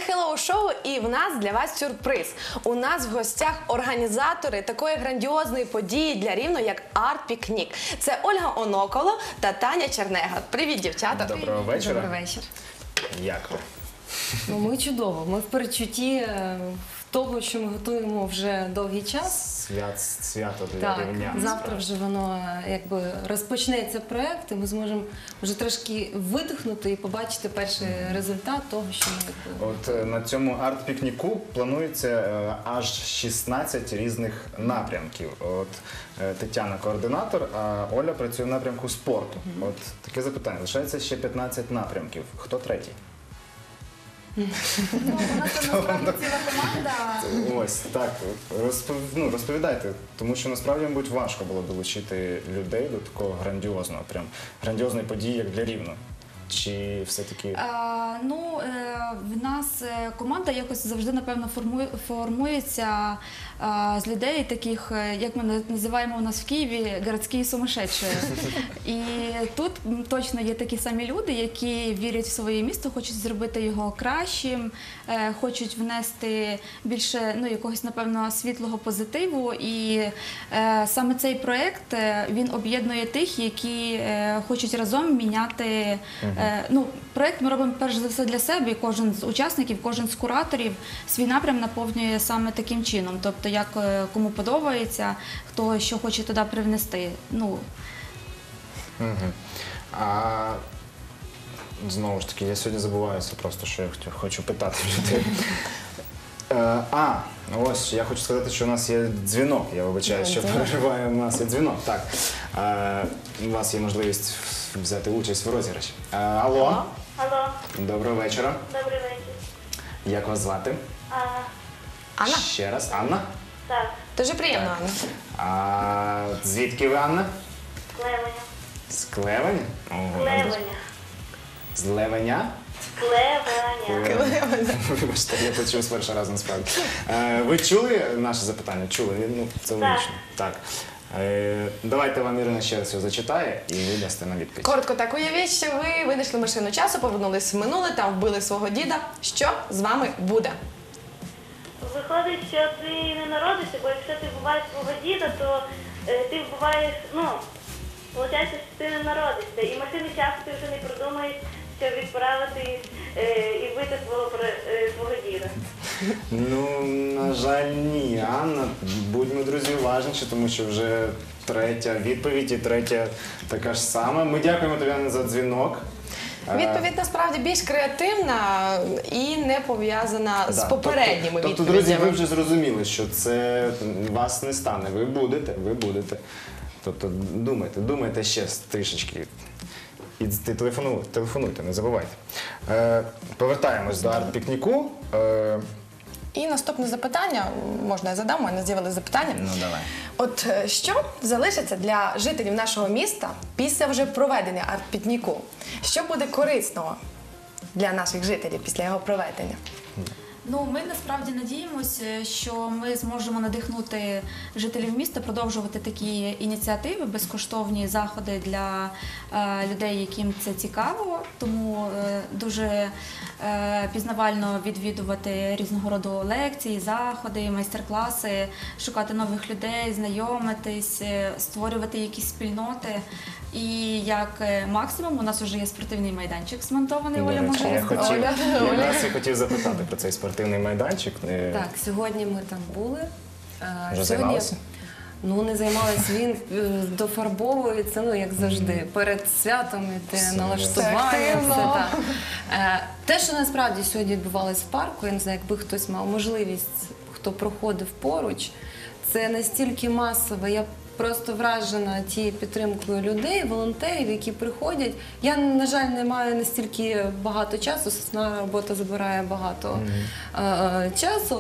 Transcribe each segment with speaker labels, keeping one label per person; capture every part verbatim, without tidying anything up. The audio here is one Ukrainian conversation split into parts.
Speaker 1: Hello Show, і в нас для вас сюрприз. У нас в гостях організатори такої грандіозної події для Рівного, як арт-пікнік. Це Ольга Оноколо та Таня Чернега. Привіт, дівчата.
Speaker 2: Доброго вечора.
Speaker 3: Добрий вечір.
Speaker 2: Як ви?
Speaker 3: Ну, ми чудово. Ми в передчутті е, того, що ми готуємо вже довгий час.
Speaker 2: Свят, свято для
Speaker 3: Так,
Speaker 2: рівнян.
Speaker 3: завтра вже воно е, якби розпочнеться проєкт, і ми зможемо вже трошки видихнути і побачити перший результат того, що ми якби...
Speaker 2: От е, на цьому арт-пікніку планується е, аж шістнадцять різних напрямків. От е, Тетяна координатор, а Оля працює в напрямку спорту. Mm-hmm. От таке запитання. Лишається ще п'ятнадцять напрямків. Хто третій?
Speaker 4: Ну, у нас там насправді ціла команда.
Speaker 2: Ось, так. Розпов... Ну, розповідайте, тому що насправді, мабуть, важко було долучити людей до такого грандіозного, прям грандіозної події, як для Рівного. Чи все-таки...
Speaker 4: А, ну, е, в нас е, команда якось завжди, напевно, формує, формується а, з людей таких, е, як ми на- називаємо у нас в Києві, городські сумасшедші. І тут м, точно є такі самі люди, які вірять в своє місто, хочуть зробити його кращим, е, хочуть внести більше, ну, якогось, напевно, світлого позитиву. І е, саме цей проєкт, е, він об'єднує тих, які е, хочуть разом міняти. Е, ну, проєкт ми робимо перш за все для себе, і кожен з учасників, кожен з кураторів свій напрям наповнює саме таким чином. Тобто, як е, кому подобається, хто що хоче туди привнести. Ну,
Speaker 2: Угу. А знову ж таки, я сьогодні забуваюся просто, що я хотів- хочу питати людей. Е, А, ось я хочу сказати, що у нас є дзвінок. Я вибачаю, що переживаю. У нас є дзвінок. Так. Е, У вас є можливість взяти участь в розіграші. Е, Алло.
Speaker 5: Алло,
Speaker 2: Доброго вечора.
Speaker 5: добрий вечір.
Speaker 2: Як вас звати?
Speaker 5: А,
Speaker 1: Анна,
Speaker 2: Ще раз. Анна?
Speaker 5: так,
Speaker 1: дуже приємно, Анна.
Speaker 2: А звідки ви, Анна?
Speaker 5: Клевеня.
Speaker 2: З Клевеня? Ого.
Speaker 5: Клевеня.
Speaker 2: З Левеня?
Speaker 5: Клевеня.
Speaker 2: Вибачте, я почув з першого разу насправді. Е, Ви чули наше запитання? Чули? Ну, це логічно. Так. Е, Давайте вам Ірина ще раз його зачитає і ви дасте на відповідь.
Speaker 1: Коротко так, уявіть, що ви винайшли машину часу, повернулись в минуле, там вбили свого діда. Що з вами буде?
Speaker 5: Виходить, що ти не народишся, бо якщо ти вбиваєш свого діда, то е, ти вбиваєш, ну, виходить, що ти не народишся. І машини часу ти вже не придумаєш, щоб відправити е, і вбити свого, пре- е, свого діда.
Speaker 2: Ну, на жаль, ні, Анна. Будьмо, друзі, уважніші, тому що вже третя відповідь і третя така ж сама. Ми дякуємо тобі, Анна, за дзвінок. Е,
Speaker 1: Відповідь насправді більш креативна і не пов'язана з
Speaker 2: Да,
Speaker 1: попередніми
Speaker 2: тобто, тобто, друзі, ви
Speaker 1: відповідями.
Speaker 2: вже зрозуміли, що це вас не стане. Ви будете, ви будете. Тобто думайте, думайте ще трішечки. І телефонуйте, телефонуйте, не забувайте. Е, повертаємось до арт-пікніку. Е,
Speaker 1: І наступне запитання, можна я задам, у мене з'явилися запитання.
Speaker 2: ну, давай.
Speaker 1: От е, що залишиться для жителів нашого міста після вже проведення арт-пікніку? Що буде корисного для наших жителів після його проведення?
Speaker 4: Ну, ми насправді надіємося, що ми зможемо надихнути жителів міста продовжувати такі ініціативи, безкоштовні заходи для е, людей, яким це цікаво. Тому е, дуже е, пізнавально відвідувати різного роду лекції, заходи, майстер-класи, шукати нових людей, знайомитись, е, створювати якісь спільноти. І як е, максимум у нас вже є спортивний майданчик змонтований,
Speaker 2: До
Speaker 4: Оля
Speaker 2: речі,
Speaker 4: може
Speaker 2: я
Speaker 4: розказати.
Speaker 2: хотів,
Speaker 1: Оля, Оля.
Speaker 2: якраз я хотів запитати про цей спортивний майданчик. Е,
Speaker 3: Так, сьогодні ми там були. Е,
Speaker 2: Вже займалися?
Speaker 3: Ну, не займалися, він е, дофарбовується, ну, як завжди, перед святом іде
Speaker 2: Все,
Speaker 3: налаштування.
Speaker 1: це активно.
Speaker 3: Все, так. Е, Те, що насправді сьогодні відбувалося в парку, я не знаю, якби хтось мав можливість, хто проходив поруч, це настільки масово, я просто вражена тією підтримкою людей, волонтерів, які приходять. Я, на жаль, не маю настільки багато часу, основна робота забирає багато е, часу.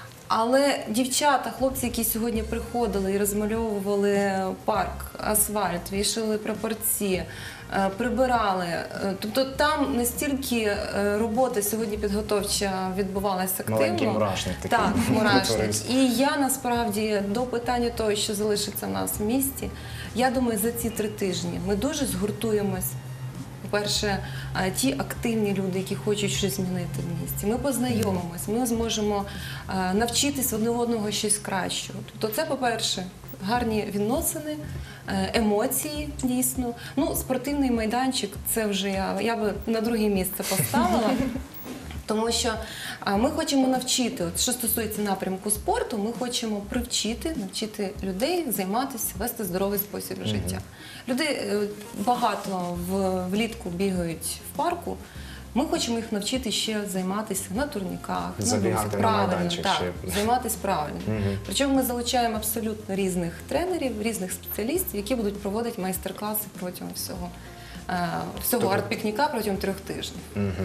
Speaker 3: Але дівчата, хлопці, які сьогодні приходили і розмальовували парк, асфальт, вішали прапорці, е, прибирали. Е, Тобто там настільки е, робота сьогодні підготовча відбувалася активно.
Speaker 2: Маленький мурашник такий
Speaker 3: Так, мурашник.
Speaker 2: утворився.
Speaker 3: І я насправді до питання того, що залишиться в нас в місті, я думаю, за ці три тижні ми дуже згуртуємось По-перше, е, ті активні люди, які хочуть щось змінити в місті. Ми познайомимось, ми зможемо е, навчитись одне одного щось кращого. Тобто це, по-перше, гарні відносини, е, емоції дійсно. Ну, спортивний майданчик, це вже я, я би на друге місце поставила. Тому що а, ми хочемо навчити, от, що стосується напрямку спорту, ми хочемо привчити, навчити людей займатися, вести здоровий спосіб життя. Люди е, багато в, влітку бігають в парку, ми хочемо їх навчити ще займатися на турніках, на
Speaker 2: Забігати
Speaker 3: досі,
Speaker 2: на
Speaker 3: правильно,
Speaker 2: майданчик
Speaker 3: так,
Speaker 2: ще.
Speaker 3: займатися правильно. Причому ми залучаємо абсолютно різних тренерів, різних спеціалістів, які будуть проводити майстер-класи протягом всього, е, всього
Speaker 2: Тобто-
Speaker 3: арт-пікніка протягом трьох тижнів.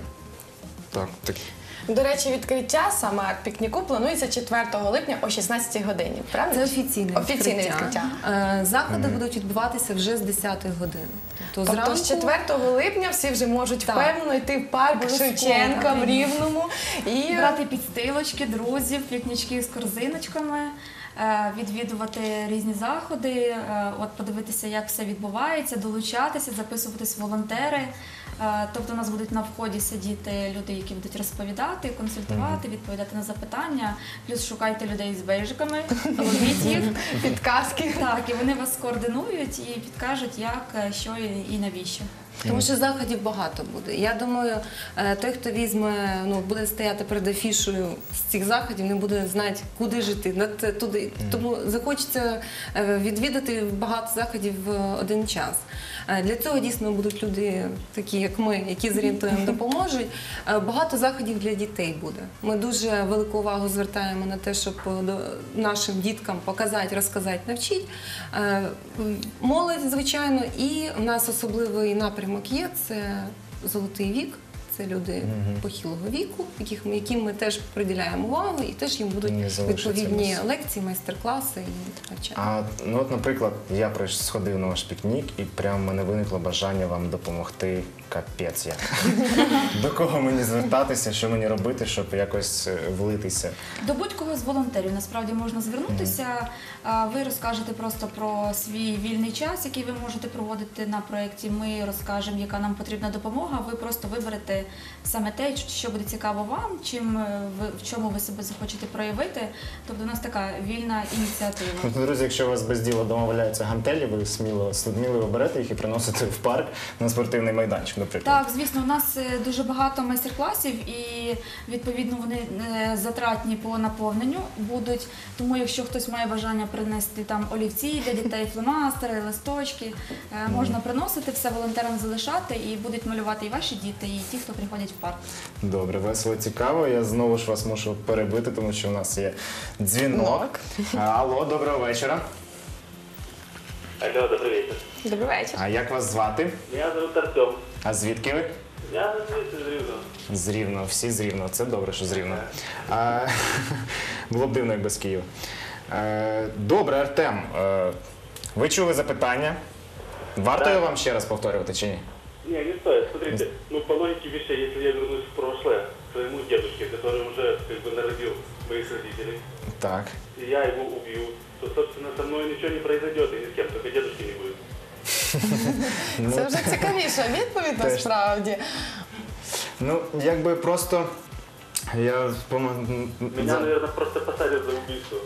Speaker 2: Так, так.
Speaker 1: До речі, відкриття саме арт-пікніку планується четвертого липня о шістнадцятій годині. Правильно?
Speaker 3: Це офіційне відкриття.
Speaker 1: Офіційне відкриття.
Speaker 3: Е, Заходи будуть відбуватися вже з десятої години. Тобто,
Speaker 1: Тобто
Speaker 3: зранку
Speaker 1: з четвертого липня всі вже можуть
Speaker 3: Так.
Speaker 1: впевнено йти в парк
Speaker 3: Обов'язково,
Speaker 1: Шевченка в
Speaker 3: так.
Speaker 1: Рівному і
Speaker 4: Брати підстилочки, друзів, пікнічки з корзиночками, е, відвідувати різні заходи, е, от подивитися, як все відбувається, долучатися, записуватись в волонтери. Е, Тобто у нас будуть на вході сидіти люди, які будуть розповідати, консультувати, відповідати на запитання. Плюс шукайте людей з бейджиками, ловіть їх.
Speaker 1: підказки.
Speaker 4: Так, і вони вас координують і підкажуть, як, е, що і- і навіщо.
Speaker 3: Тому що заходів багато буде. Я думаю, е, той, хто візьме, ну буде стояти перед афішою з цих заходів, не буде знати, куди жити. на те- туди. Тому захочеться е, відвідати багато заходів в один час. Е, Для цього дійсно будуть люди, такі як ми, які зорієнтуємо, допоможуть. Е, Багато заходів для дітей буде. Ми дуже велику увагу звертаємо на те, щоб е, до- нашим діткам показати, розказати, навчити. Е, Молодь, звичайно, і в нас особливий напрямок є – це золотий вік. Це люди похилого віку, яких ми, яким ми теж приділяємо увагу, і теж їм будуть
Speaker 2: Не залишаться
Speaker 3: відповідні
Speaker 2: без.
Speaker 3: лекції, майстер-класи і навчання.
Speaker 2: А ну от, наприклад, я прийш- сходив на ваш пікнік, і прямо в мене виникло бажання вам допомогти. Капець як. До кого мені звертатися, що мені робити, щоб якось е, влитися?
Speaker 4: До будь-кого з волонтерів насправді можна звернутися. А, Ви розкажете просто про свій вільний час, який ви можете проводити на проєкті. Ми розкажемо, яка нам потрібна допомога. Ви просто виберете саме те, що буде цікаво вам, чим е, ви в чому ви себе захочете проявити. Тобто у нас така вільна ініціатива.
Speaker 2: Ну, друзі, якщо у вас без діла вдома валяються гантелі, ви сміло, сміливо берете їх і приносите в парк на спортивний майданчик, наприклад.
Speaker 4: Так, звісно, у нас е, дуже багато майстер-класів і відповідно вони е, затратні по наповненню будуть. Тому якщо хтось має бажання принести там олівці для дітей, фломастери, листочки, е, можна приносити, все волонтерам залишати і будуть малювати і ваші діти, і ті, хто приходять в парк.
Speaker 2: Добре, весело, цікаво. Я знову ж вас мушу перебити, тому що у нас є дзвінок. Алло, доброго вечора.
Speaker 6: Алло, добрый вечер.
Speaker 1: Добрий вечір.
Speaker 2: А як вас звати?
Speaker 6: Меня зовут Артем.
Speaker 2: А звідки ви?
Speaker 6: Я звідси з Рівного.
Speaker 2: З Рівного, всі з Рівного. Це добре, що з Рівного. А, було б дивно, як без Києва. Е, Добре, Артем, е, ви чули запитання? Варто
Speaker 6: Да.
Speaker 2: його вам ще раз повторювати чи ні?
Speaker 6: Не, не стоит. Смотрите, ну по логике вещей, если я вернусь в прошлое, к своему дедушке, который уже как бы народил моих родителей,
Speaker 2: Так.
Speaker 6: и я его убью, то, собственно, со мной ничего не произойдет, и ни с кем, только дедушки не будет.
Speaker 1: Це вже цікавіша відповідь
Speaker 2: Теж.
Speaker 1: насправді.
Speaker 2: Ну, якби просто я помо-
Speaker 6: Меня,
Speaker 2: за-
Speaker 6: наверное, просто посадят за убийство.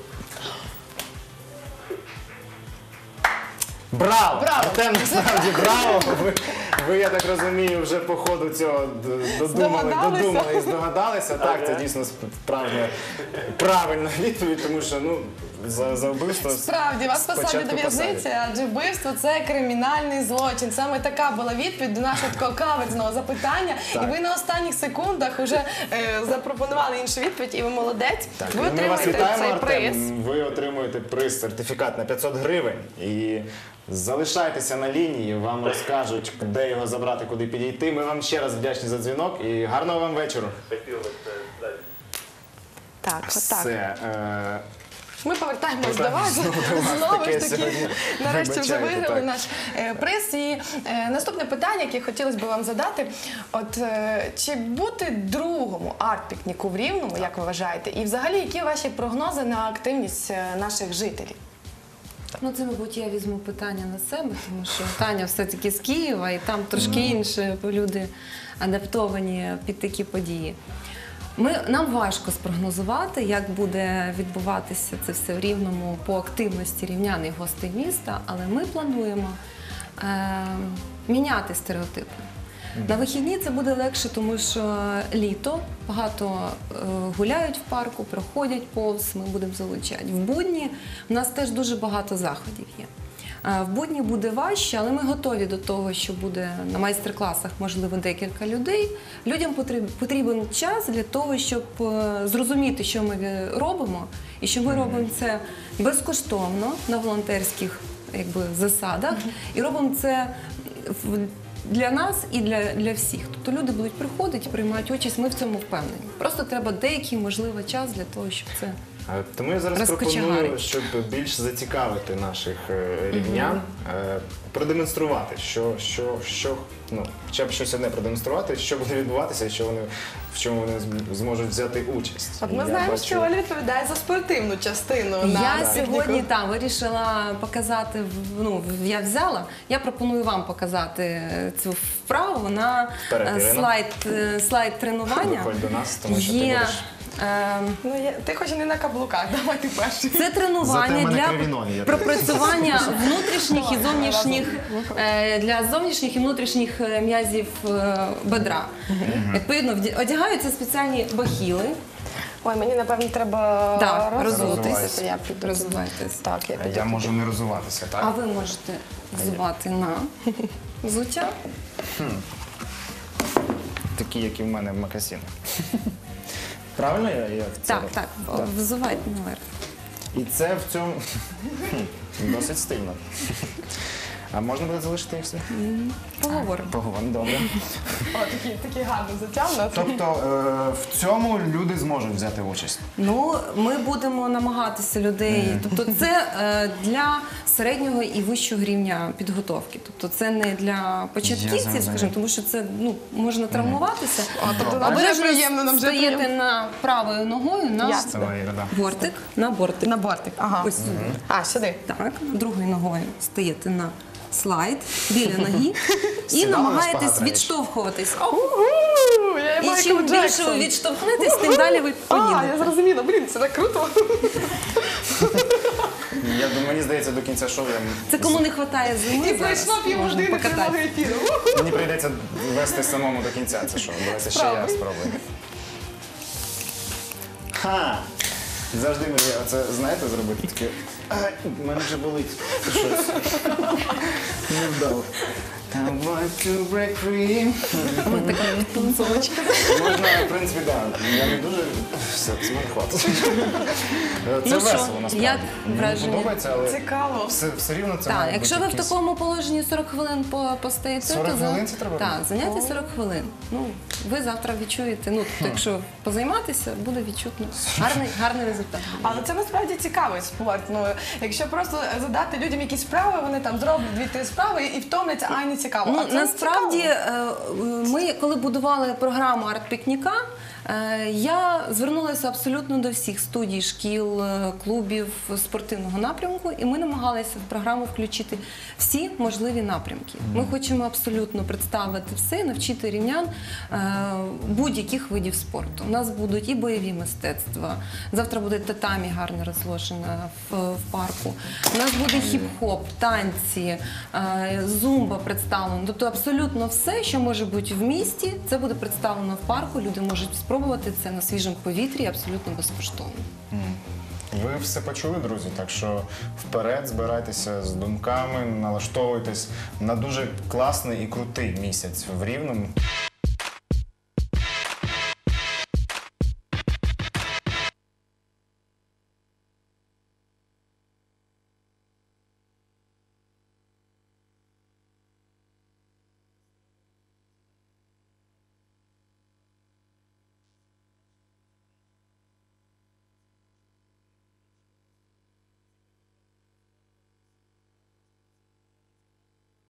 Speaker 2: Браво!
Speaker 1: Браво!
Speaker 2: Артем, насправді браво! Ви, ви, я так розумію, вже по ходу цього д- додумали,
Speaker 1: Здогадалися?
Speaker 2: додумали і здогадалися. Так, це
Speaker 6: Ага.
Speaker 2: дійсно справжня правильна відповідь, тому що ну, за, за вбивство
Speaker 1: Справді, вас посадять
Speaker 2: спочатку
Speaker 1: до в'язниці,
Speaker 2: посадять.
Speaker 1: адже вбивство – це кримінальний злочин. Саме така була відповідь до нашого такого каверзного запитання.
Speaker 2: Так.
Speaker 1: І ви на останніх секундах вже е, запропонували іншу відповідь, і ви молодець.
Speaker 2: Так,
Speaker 1: Ви
Speaker 2: і ми вас
Speaker 1: отримаєте
Speaker 2: вітаємо,
Speaker 1: цей
Speaker 2: Артем.
Speaker 1: приз.
Speaker 2: Ви отримуєте приз, сертифікат на п'ятсот гривень. І залишайтеся на лінії, вам розкажуть, де його забрати, куди підійти. Ми вам ще раз вдячні за дзвінок і гарного вам вечора.
Speaker 6: Спасибо большое. Да.
Speaker 1: Так, отак.
Speaker 2: Все. Е,
Speaker 1: Ми повертаємось до
Speaker 2: Повертаємось
Speaker 1: вас.
Speaker 2: знову до вас.
Speaker 1: Знову
Speaker 2: Таке
Speaker 1: ж таки,
Speaker 2: сьогодні.
Speaker 1: нарешті вже
Speaker 2: Вибачайте,
Speaker 1: виграли
Speaker 2: так.
Speaker 1: наш е, приз. І е, наступне питання, яке хотілося б вам задати. От е, чи бути другому арт-пікніку в Рівному, як ви вважаєте? І взагалі, які ваші прогнози на активність е, наших жителів?
Speaker 3: Ну, це, мабуть, я візьму питання на себе, тому що Таня все-таки з Києва, і там трошки інше люди адаптовані під такі події. Ми, нам важко спрогнозувати, як буде відбуватися це все в Рівному по активності рівнян і гостей міста, але ми плануємо е, міняти стереотипи. На вихідні це буде легше, тому що літо, багато е, гуляють в парку, проходять повз, ми будемо залучати. В будні в нас теж дуже багато заходів є. Е, в будні буде важче, але ми готові до того, що буде на майстер-класах, можливо, декілька людей. Людям потрібен, потрібен час для того, щоб е, зрозуміти, що ми робимо, і що ми робимо це безкоштовно на волонтерських якби, засадах, і робимо це в для нас і для, для всіх. Тобто люди будуть приходити, приймати участь, ми в цьому впевнені. Просто треба деякий, можливо, час для того, щоб це...
Speaker 2: Е, Тому я зараз
Speaker 3: Розкочегарить.
Speaker 2: пропоную, щоб більш зацікавити наших е, рівнян, е, продемонструвати, що, що, що, ну, хоча б щось одне продемонструвати, що буде відбуватися і що вони, в чому вони зм- зможуть взяти участь.
Speaker 1: От ми
Speaker 2: Я
Speaker 1: знаємо,
Speaker 2: бачу-
Speaker 1: що Оля відповідає за спортивну частину. на
Speaker 3: Я
Speaker 1: пікніку.
Speaker 3: сьогодні там вирішила показати, в- ну, в- я взяла, я пропоную вам показати цю вправу на
Speaker 2: Вперед,
Speaker 3: е,
Speaker 2: Ірина.
Speaker 3: слайд, е, слайд тренування.
Speaker 2: Виходь до нас, тому що ти
Speaker 3: Є,
Speaker 2: будеш...
Speaker 3: е,
Speaker 1: Ну, я, ти хоч і не на каблуках, давай ти перший.
Speaker 3: Це
Speaker 2: Зате в
Speaker 3: тренування
Speaker 2: мене
Speaker 3: для
Speaker 2: криві ноги, я
Speaker 3: пропрацювання внутрішніх і зовнішніх е, для зовнішніх і внутрішніх е, м'язів е, бедра. Відповідно, вді- одягаються спеціальні бахіли.
Speaker 1: Ой, мені, напевно, треба
Speaker 3: Так,
Speaker 1: розутися,
Speaker 2: розувайся.
Speaker 1: то я піду.
Speaker 3: Розвивайтесь.
Speaker 1: Так, я піду.
Speaker 2: Я можу не розуватися, так?
Speaker 3: А ви можете взувати на взуття.
Speaker 2: Такі, як і в мене в макасінах. Правильно я, я в це
Speaker 3: Так,
Speaker 2: роблю?
Speaker 3: так, взувайте наверх.
Speaker 2: І це в цьому Хм, досить стильно. А можна буде залишити їх все?
Speaker 3: Поговоримо.
Speaker 2: Поговоримо, добре.
Speaker 1: О, такі, такі гарно затягнуті.
Speaker 2: Тобто е, в цьому люди зможуть взяти участь.
Speaker 3: Ну, ми будемо намагатися людей. Тобто, це е, для середнього і вищого рівня підготовки. Тобто, це не для
Speaker 2: Я
Speaker 3: початківців,
Speaker 2: зрозумів.
Speaker 3: скажімо, тому що це ну можна травмуватися.
Speaker 1: тобто нам вже
Speaker 3: Обережно
Speaker 1: приємно, нам вже
Speaker 3: стаєте
Speaker 1: приємно.
Speaker 3: на правою ногою на
Speaker 1: Ясно.
Speaker 2: Давай, Іра, да.
Speaker 3: бортик, на бортик.
Speaker 1: На бортик, ага.
Speaker 3: Ось сюди.
Speaker 1: А, сюди.
Speaker 3: Так, другою ногою стаєте на слайд біля ноги і
Speaker 2: Сідала на
Speaker 3: намагаєтесь
Speaker 2: шпагат раніше?
Speaker 3: відштовхуватись.
Speaker 1: Угу, я
Speaker 3: І
Speaker 1: Майкл
Speaker 3: чим більше ви
Speaker 1: Джексон.
Speaker 3: відштовхнетесь, тим далі ви
Speaker 1: А, я
Speaker 3: поїдете.
Speaker 1: зрозуміла, блін, це так круто.
Speaker 2: Я думаю, мені здається, до кінця шоу я...
Speaker 3: Це кому не вистачає зими.
Speaker 1: І
Speaker 3: зараз
Speaker 1: пройшло
Speaker 3: можна
Speaker 1: півгодини
Speaker 3: покататися.
Speaker 1: прямого ефіру.
Speaker 2: Мені прийдеться вести самому до кінця це шоу. Давайте ще я
Speaker 1: Правда.
Speaker 2: спробую. Ха! Завжди мріяв це, знаєте, зробити таке. Ай, в мене вже болить щось. Не вдав. I want to break free. Можна, в принципі, так. Я не дуже... Все, з мене хватить. Це
Speaker 3: Ну що,
Speaker 2: весело, насправді.
Speaker 3: як
Speaker 2: Мені
Speaker 3: враження?
Speaker 2: подобається, але
Speaker 1: Цікаво.
Speaker 2: все, все рівно це
Speaker 3: Так,
Speaker 2: має
Speaker 3: якщо
Speaker 2: бути
Speaker 3: ви в
Speaker 2: якийсь-
Speaker 3: такому положенні сорок хвилин по- постоїте,
Speaker 2: сорок
Speaker 3: то за-
Speaker 2: хвилин це треба
Speaker 3: Так,
Speaker 2: робити?
Speaker 3: заняття сорок хвилин. Ну, ви завтра відчуєте, ну, тобто, якщо позайматися, буде відчутно гарний, гарний результат.
Speaker 1: Але це насправді цікавий спорт. Ну, якщо просто задати людям якісь справи, вони там зроблять дві-три справи і втомляться, а й не цікаво.
Speaker 3: Ну,
Speaker 1: А це
Speaker 3: насправді,
Speaker 1: цікаво.
Speaker 3: е, ми, коли будували програму арт-пікніка, е, я звернулася абсолютно до всіх студій, шкіл, е, клубів спортивного напрямку, і ми намагалися в програму включити всі можливі напрямки. Ми хочемо абсолютно представити все, навчити рівнян е, будь-яких видів спорту. У нас будуть і бойові мистецтва, завтра буде татамі гарно розложена в, в парку. У нас буде хіп-хоп, танці, е, зумба представлено. Тобто абсолютно все, що може бути в місті, це буде представлено в парку. Люди можуть спробувати це на свіжому повітрі абсолютно безкоштовно.
Speaker 2: Ви все почули, друзі, так що вперед збирайтеся з думками, налаштовуйтесь на дуже класний і крутий місяць в Рівному.